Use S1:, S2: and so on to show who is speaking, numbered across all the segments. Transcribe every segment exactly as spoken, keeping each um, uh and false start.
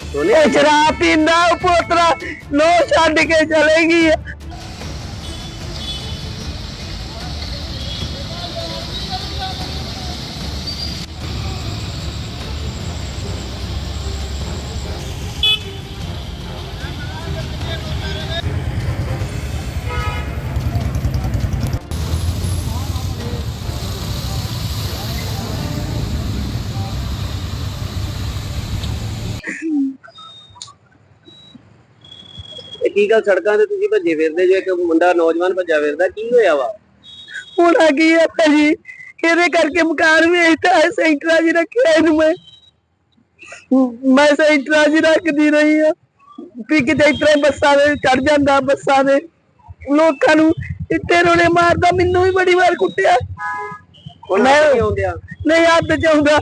S1: शराब पींदा पोतरा लो छड़ के चलेगी।
S2: ਕੀ ਗੱਲ ਸੜਕਾਂ ਤੇ ਤੁਸੀਂ ਭੱਜੇ ਫਿਰਦੇ ਜੋ ਇੱਕ ਮੁੰਡਾ ਨੌਜਵਾਨ ਭੱਜਾ ਫਿਰਦਾ ਕੀ ਹੋਇਆ ਵਾ?
S1: होना की है भाजी ਇਹਦੇ ਕਰਕੇ ਮਕਾਨ ਵੇਚਤਾ ਹੈ ਸੈਂਟਰਾਂ 'ਚ ਰੱਖਿਆ ਇਹਨੂੰ ਮੈਂ ਮੈਂ ਸੈਂਟਰਾਂ 'ਚ ਰੱਖਦੀ ਰਹੀ ਆ ਵੀ ਕਿਤੇ ਇਤਰੇ ਬੱਸਾਂ ਦੇ ਚੜ ਜਾਂਦਾ ਬੱਸਾਂ ਦੇ ਲੋਕਾਂ ਨੂੰ ਇੱਥੇ ਰੋਣੇ ਮਾਰਦਾ ਮੈਨੂੰ ਵੀ ਬੜੀ ਵਾਰ ਕੁੱਟਿਆ
S2: ਮੈਂ ਆਉਂਦਿਆ
S1: ਨਹੀਂ ਹੱਥ 'ਚ ਆਉਂਦਾ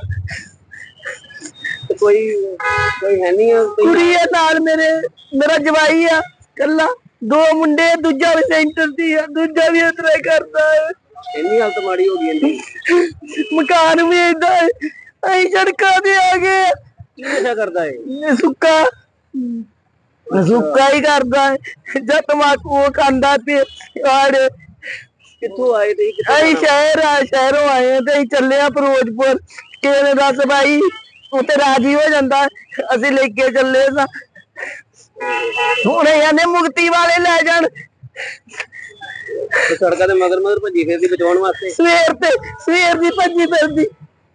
S2: ਕੋਈ ਕੋਈ ਹੈ ਨਹੀਂ
S1: ਕੁੜੀ ਆ ਨਾਲ ਮੇਰੇ ਮੇਰਾ ਜਵਾਈ ਆ ਕੱਲਾ ਦੋ ਮੁੰਡੇ ਦੂਜਾ ਵੀ ਸੈਂਟਰ ਦੀ ਆ ਦੂਜਾ ਵੀ ਇਤਰੇ ਕਰਦਾ ਹੈ
S2: ਇੰਨੀ ਹਾਲਤ ਮਾੜੀ ਹੋ ਗਈ ਇਹਦੀ
S1: ਮਕਾਨ ਵੀ ਏਦਾਂ ਅਸੀਂ ਸੜਕਾਂ ਤੇ ਆ ਗਏ
S2: ਕੀ ਨਸ਼ਾ ਕਰਦਾ ਹੈ?
S1: ਸੁੱਕਾ ਸੁੱਕਾ ਹੀ ਕਰਦਾ ਹੈ ਜਦ ਤਮਾਕੂ ਉਹ ਖਾਂਦਾ ਤੇ ਆੜ
S2: ਕਿੱਥੋਂ ਆਏ ਤੇ
S1: ਅਸੀਂ ਸ਼ਹਿਰ ਆ ਸ਼ਹਿਰੋਂ ਆਏ ਆ ਤੇ ਅਸੀਂ ਚੱਲੇ ਆ ਫਿਰੋਜ਼ਪੁਰ ਕਿਸੇ ਨੇ ਦੱਸ ਭਾਈ ਉੱਥੇ ਰਾਜੀ ਹੋ ਜਾਂਦਾ ਅਸੀਂ ਲੈ ਕੇ ਚੱਲੇ ਸਾਂ ਹੁਣ ਇਹਨੇ ਮੁਕਤੀ ਵਾਲੇ ਲੈ ਜਾਣ
S2: ਸੜਕਾਂ ਤੇ ਮਗਰ ਮਗਰ ਭੱਜੀ ਫਿਰਦੀ ਬਚਾਉਣ ਵਾਸਤੇ
S1: ਸਵੇਰ ਤੇ ਸਵੇਰ ਦੀ ਭੱਜੀ ਫਿਰਦੀ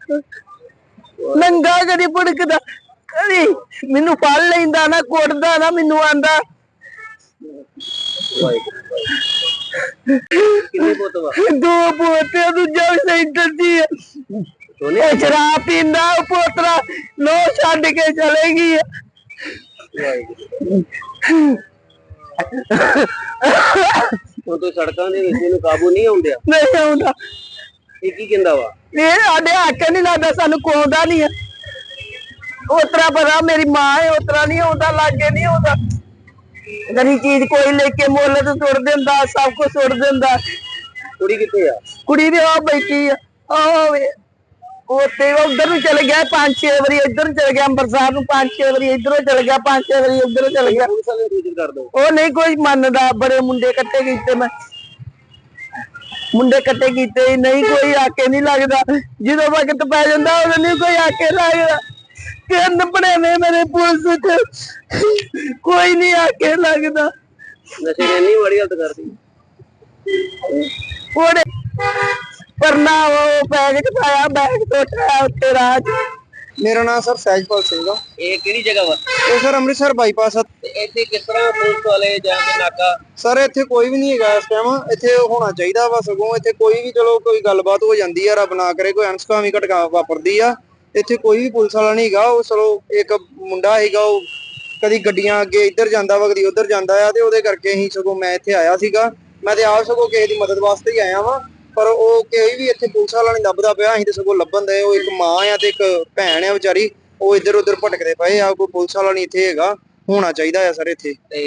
S1: ਨੰਗਾ ਕਦੀ ਭੁੜਕਦਾ ਕਦੀ ਮੈਨੂੰ ਫੜ ਲੈਂਦਾ ਨਾ ਕੁੱਟਦਾ ਨਾ ਮੈਨੂੰ ਆਂਦਾ
S2: ਕਿੰਨੇ ਪੁੱਤ ਵਾ?
S1: ਦੋ ਪੋਤੇ ਦੂਜਾ ਵੀ ਸੈਂਟਰ ਦੀ ਹੈ ਇਹ ਸ਼ਰਾਬ ਪੀਂਦਾ ਪੋਤਰਾ ਲੋ ਛੱਡ ਕੇ ਚਲੇਗੀ
S2: ਉਹ ਤੋਂ ਸੜਕਾਂ ਦੇ ਵਿੱਚ ਇਹਨੂੰ ਕਾਬੂ ਨਹੀਂ ਆਉਂਦਿਆ
S1: ਨਹੀਂ ਆਉਂਦਾ
S2: ਇਹ ਕੀ ਕਹਿੰਦਾ ਵਾ?
S1: ਇਹ ਸਾਡੇ ਹੱਕ ਨਹੀਂ ਲੱਗਦਾ ਸਾਨੂੰ ਕੋਉਂਦਾ ਨਹੀਂ ਹੈ ਉਤਰਾ ਪਤਾ ਮੇਰੀ ਮਾਂ ਹੈ ਉਤਰਾ ਨਹੀਂ ਆਉਂਦਾ ਲਾਗੇ ਨਹੀਂ ਆਉਂਦਾ ਗਰੀ ਚੀਜ਼ ਕੋਈ ਲੈ ਕੇ ਮੁੱਲ ਤੇ ਸੁੱਟ ਦਿੰਦਾ ਸਭ ਕੁਝ ਸੁੱਟ ਦਿੰਦਾ
S2: ਕੁੜੀ ਕਿੱਥੇ ਆ?
S1: ਕੁੜੀ ਦੇ ਆ ਬੈਠੀ ਆ ਆਵੇ ਉੱਥੇ ਉਧਰ ਨੂੰ ਚਲੇ ਗਿਆ ਪੰਜ ਛੇ ਵਾਰੀ ਇੱਧਰ ਨੂੰ ਚਲੇ ਗਿਆ ਅੰਮ੍ਰਿਤਸਰ ਨੂੰ ਪੰਜ ਛੇ ਵਾਰੀ ਇੱਧਰੋਂ ਚਲੇ ਗਿਆ ਪੰਜ ਛੇ ਵਾਰੀ ਉੱਧਰੋਂ ਚਲੇ ਗਿਆ
S2: ਪੁਲਿਸ ਵਾਲੇ ਨੂੰ ਸੂਚਿਤ ਕਰ ਦੋ
S1: ਉਹ ਨਹੀਂ ਕੋਈ ਮੰਨਦਾ ਬੜੇ ਮੁੰਡੇ ਇਕੱਠੇ ਕੀਤੇ ਮੈਂ ਮੁੰਡੇ ਇਕੱਠੇ ਕੀਤੇ ਨਹੀਂ ਕੋਈ ਆਕੇ ਨਹੀਂ ਲੱਗਦਾ ਜਦੋਂ ਵਕਤ ਪੈ ਜਾਂਦਾ ਉਦੋਂ ਨਹੀਂ ਕੋਈ ਆਕੇ ਲੱਗਦਾ ਕਿੰਨ ਬਣੇ ਨੇ ਮੇਰੇ ਪੁਲਿਸ ਚ ਕੋਈ ਨਹੀਂ ਆਕੇ ਲੱਗਦਾ
S2: ਨਸ਼ੇ ਨੇ ਇੰਨੀ ਮਾੜੀ ਹਾਲਤ ਕਰਦੀ
S1: ਉਹਨੇ ਪਰਨਾ ਉਹ ਬੈਗ ਚ ਪਾਇਆ ਬੈਗ ਟੋਟਿਆ ਉੱਤੇ ਰਾਜ
S3: ਮੇਰਾ ਨਾਮ ਸਰ ਸਹਿਜਪਾਲ ਸਿੰਘ ਆ।
S2: ਇਹ ਕਿਹੜੀ ਜਗ੍ਹਾ ਵਾ?
S3: ਇਹ ਸਰ ਅੰਮ੍ਰਿਤਸਰ ਬਾਈਪਾਸ ਆ।
S2: ਤੇ ਇੱਥੇ ਕਿਸ ਤਰ੍ਹਾਂ ਪੁਲਿਸ ਵਾਲੇ ਜਾਂ ਕੇ ਨਾਕਾ?
S3: ਸਰ ਇੱਥੇ ਕੋਈ ਵੀ ਨਹੀਂ ਹੈਗਾ ਇਸ ਟਾਈਮ ਇੱਥੇ ਹੋਣਾ ਚਾਹੀਦਾ ਵਾ ਸਗੋਂ ਇੱਥੇ ਕੋਈ ਵੀ ਚਲੋ ਕੋਈ ਗੱਲਬਾਤ ਹੋ ਜਾਂਦੀ ਆ ਰੱਬ ਨਾ ਕਰੇ ਕੋਈ ਅਣਸੁਖਾਵੀਂ ਘਟਨਾ ਵਾਪਰਦੀ ਆ ਇੱਥੇ ਕੋਈ ਵੀ ਪੁਲਿਸ ਵਾਲਾ ਨਹੀਂ ਹੈਗਾ ਉਹ ਚਲੋ ਇੱਕ ਮੁੰਡਾ ਹੈਗਾ ਉਹ ਕਦੀ ਗੱਡੀਆਂ ਅੱਗੇ ਇੱਧਰ ਜਾਂਦਾ ਵਾ ਕਦੀ ਉੱਧਰ ਜਾਂਦਾ ਆ ਤੇ ਉਹਦੇ ਕਰਕੇ ਅਸੀਂ ਸਗੋਂ ਮੈਂ ਇੱਥੇ ਆਇਆ ਸੀਗਾ ਮੈਂ ਤੇ ਆਪ ਸਗੋਂ ਕਿਸੇ ਦੀ ਮਦਦ ਵਾਸਤੇ ਹੀ ਆਇਆ ਵਾਂ ਪਰ ਉਹ ਕੋਈ ਵੀ ਇੱਥੇ ਪੁਲਿਸ ਵਾਲਾ ਨਹੀਂ ਲੱਭਦਾ ਪਿਆ ਅਸੀਂ ਤੇ ਸਗੋਂ ਲੱਭਣ ਦੇ ਉਹ ਇੱਕ ਮਾਂ ਆ ਤੇ ਇੱਕ ਭੈਣ ਆ ਵਿਚਾਰੀ ਉਹ ਇੱਧਰ ਉੱਧਰ ਭਟਕਦੇ ਪਏ ਆ ਕੋਈ ਪੁਲਿਸ ਵਾਲਾ ਨਹੀਂ ਇੱਥੇ ਹੈਗਾ ਹੋਣਾ ਚਾਹੀਦਾ ਆ ਸਰ ਇੱਥੇ।